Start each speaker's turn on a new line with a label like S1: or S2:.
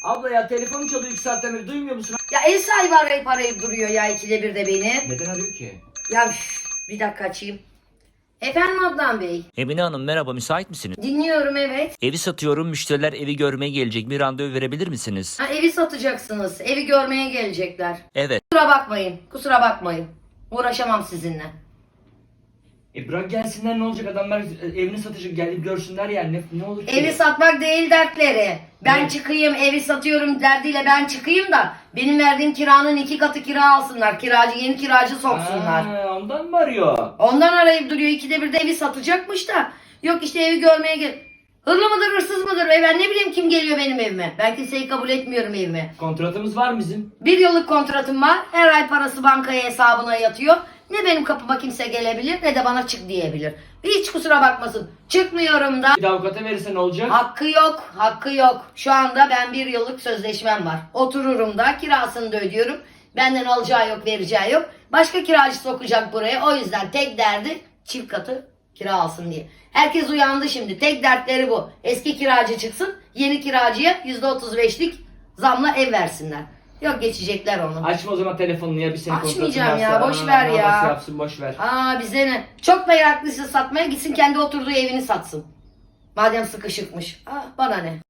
S1: Abla ya telefon çalıyor 2 saatten beri, duymuyor musun?
S2: Ya ev sahibi arayıp duruyor ya ikide bir de beni.
S1: Neden arıyor ki?
S2: Ya bir dakika açayım. Efendim Adnan Bey.
S3: Emine Hanım merhaba, müsait misiniz?
S2: Dinliyorum, evet.
S3: Evi satıyorum, müşteriler evi görmeye gelecek, bir randevu verebilir misiniz?
S2: Ha, evi satacaksınız. Evi görmeye gelecekler.
S3: Evet.
S2: Kusura bakmayın. Uğraşamam sizinle.
S1: Bırak gelsinler, ne olacak, adamlar evini satacak, gelip görsünler yani, ne olur ki?
S2: Evi satmak değil dertleri. Ben
S1: Ne?
S2: çıkayım, evi satıyorum derdiyle ben çıkayım da benim verdiğim kiranın 2 katı kira alsınlar. Yeni kiracı soksunlar.
S1: Ondan mı arıyor?
S2: Ondan arayıp duruyor. İkide bir de evi satacakmış da. Yok işte evi görmeye gel. Hırlı mıdır, hırsız mıdır? Ben ne bileyim kim geliyor benim evime. Ben kimseyi kabul etmiyorum evime.
S1: Kontratımız var bizim.
S2: 1 yıllık kontratım var. Her ay parası bankaya hesabına yatıyor. Ne benim kapıma kimse gelebilir ne de bana çık diyebilir. Hiç kusura bakmasın. Çıkmıyorum da.
S1: Bir de avukata verirse ne olacak?
S2: Hakkı yok. Şu anda ben 1 yıllık sözleşmem var. Otururum da kirasını da ödüyorum. Benden alacağı yok, vereceği yok. Başka kiracı sokacak buraya. O yüzden tek derdi çift katı kira alsın diye. Herkes uyandı şimdi. Tek dertleri bu. Eski kiracı çıksın. Yeni kiracıya %35'lik zamla ev versinler. Yok geçecekler onu.
S1: Açma o zaman telefonunu ya, bir senin kontratın
S2: Açmayacağım
S1: varsa.
S2: ya, boş ver ya.
S1: Nasıl yapsın, boş ver.
S2: Bize ne? Çok meraklıysa satmaya gitsin kendi oturduğu evini satsın. Madem sıkışıkmış. Bana ne?